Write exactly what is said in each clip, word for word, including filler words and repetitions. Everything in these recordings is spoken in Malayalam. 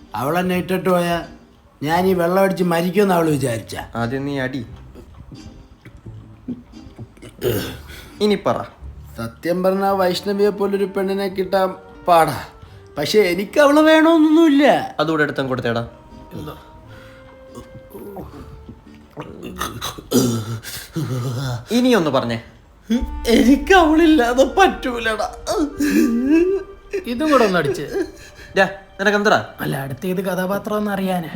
അവളെന്നെ ഇട്ടിട്ട് പോയാ ഞാൻ ഈ വെള്ളം അടിച്ച് മരിക്കുമെന്ന് അവള് വിചാരിച്ച. ആദ്യം നീ അടി. ഇനി പറ. സത്യം പറഞ്ഞാൽ വൈഷ്ണവിയെ പോലൊരു പെണ്ണിനെ കിട്ടാൻ പാടാ. പക്ഷെ എനിക്ക് അവളെ വേണമെന്നൊന്നുമില്ല. അതുകൂടെ എടുത്തും കൊടുത്തേടാ. ഇനിയൊന്ന് പറഞ്ഞേ. എനിക്ക് അവളില്ലാതെ പറ്റൂലടാ. ഇതും കൂടെ ഒന്ന് അടിച്ച്. നിനക്കെന്തടാ? അല്ല, അടുത്ത ഏത് കഥാപാത്രം ഒന്ന് അറിയാനാ.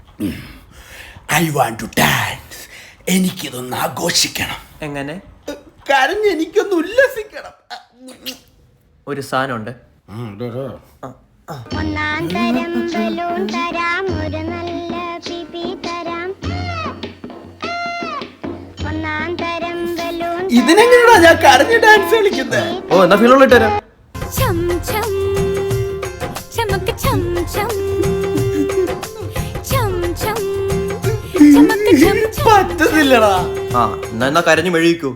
I want to dance. എനിക്കിതൊന്ന് ആഘോഷിക്കണം. എങ്ങനെ? കരഞ്ഞ് എനിക്കൊന്ന് ഉല്ലസിക്കണം. ഒരു സാധനമുണ്ട്. ഒന്നാം തരം ബലൂൺ തരാം, ഒരു നല്ല പിപി തരാം. ഒന്നാം തരം ബലൂൺ. ഇതിനെങ്ങനെയാ ഞാൻ കരഞ്ഞ് ഡാൻസ് കളിക്കുന്നത്? ഓ, എന്നാ ഫീലുള്ള ഇട്ടുതരാം. പറ്റുന്നില്ലടാ. ആ, എന്നാ എന്നാ കരഞ്ഞു മെഴുകിക്കൂ.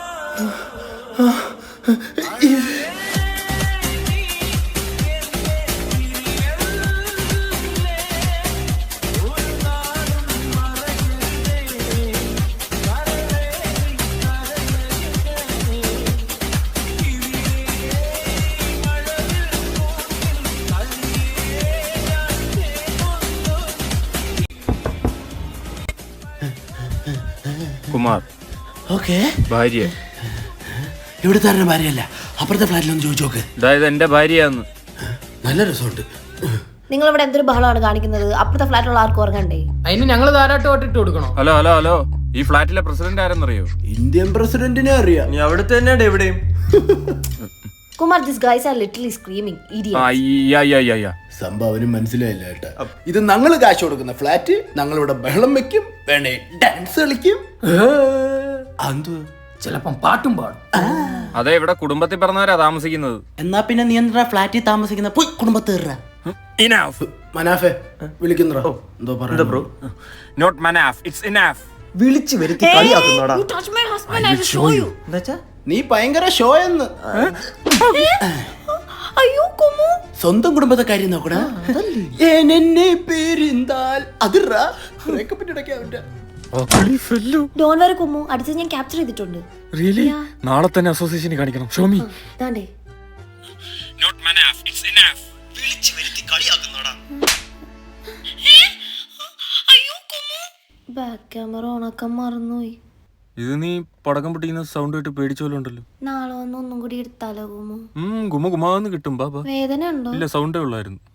കുമാർ, ഓക്കെ. ഭാര്യ ഇവിടുത്തെ ആരുടെ ഭാര്യയല്ല, അപ്പുറത്തെ ഫ്ലാറ്റിലൊന്ന് ചോദിച്ചു നോക്ക്. അതായത് എന്റെ ഭാര്യയാന്ന്. നല്ല രസമുണ്ട്. നിങ്ങൾ ഇവിടെ എന്തൊരു ബഹളമാണ് കാണിക്കുന്നത്? അപ്പുറത്തെ ഫ്ലാറ്റിലുള്ള ആർക്കും ഉറങ്ങണ്ടേ? അതിന് ഞങ്ങൾ ധാരാട്ടമായിട്ട് ഇട്ട് കൊടുക്കണോ? ഹലോ ഹലോ ഹലോ ഈ ഫ്ലാറ്റിലെ പ്രസിഡന്റ് ആരെന്നറിയോ? ഇന്ത്യൻ പ്രസിഡന്റിനെ അറിയാം. നീ അവിടുത്തെ തന്നെയാണ് എവിടെയും. Kumar, this guys are literally screaming idiots. സംഭവനും മനസ്സിലായില്ല കേട്ടാ. ഇത് ഞങ്ങൾ കാശ് കൊടുക്കുന്ന ഫ്ലാറ്റ്. ഞങ്ങളിവിടെ ബഹളം വെക്കും, വേണേ ഡാൻസ് കളിക്കും. ചിലപ്പം പാട്ടും പാടും. അതെ, ഇവിടെ കുടുംബത്തിൽ പറഞ്ഞവരാ താമസിക്കുന്നത്. എന്നാ പിന്നെ നീ എന്താ ഫ്ലാറ്റിൽ താമസിക്കുന്ന? പോയി കുടുംബത്തേറ. മനാഫെ വിളിക്കുന്നോ? എന്തോ പറയാ bro? Not Manaf, it's enough. വിളിച്ചു വരുത്തി കളിയാക്കുന്നോടാ. നീ ഭയങ്കര ഷോ എന്ന്. അയ്യോ കുമു, സ്വന്തം കുടുംബത്തെ കാര്യം നോക്കടാ. എന്നെ പേരിന്താൽ അതിറാ ബ്രേക്കപ്പ് ഇടയ്ക്ക്. ഡോൺ വറി കുമു, അടുത്തത് ഞാൻ ക്യാപ്ചർ ചെയ്തിട്ടുണ്ട്. റിയലി? നാളെ തന്നെ അസോസിയേഷന് കാണിക്കണം. ഷോമി. ദാണ്ടേ. Not Manaf, it's enough. വിളിച്ചു വരുത്തി കളിയാക്കുന്നോടാ. അയ്യോ കുമു, ബാക്ക് ക്യാമറ ഓണാക്കാൻ മറന്നുപോയി. ഇത് നീ പടക്കം പൊട്ടിക്കുന്ന സൗണ്ട് കേട്ട് പേടിച്ചോലുണ്ടല്ലോ. നാളെ വന്ന് ഒന്നും കൂടി എടുത്താലോ കുമു? ഉം ഗുമ ഗുമാന്ന് കിട്ടും. ബാബാ വേദന ഉണ്ടോ? ഇല്ല, സൗണ്ടേ ഉള്ളായിരുന്നു.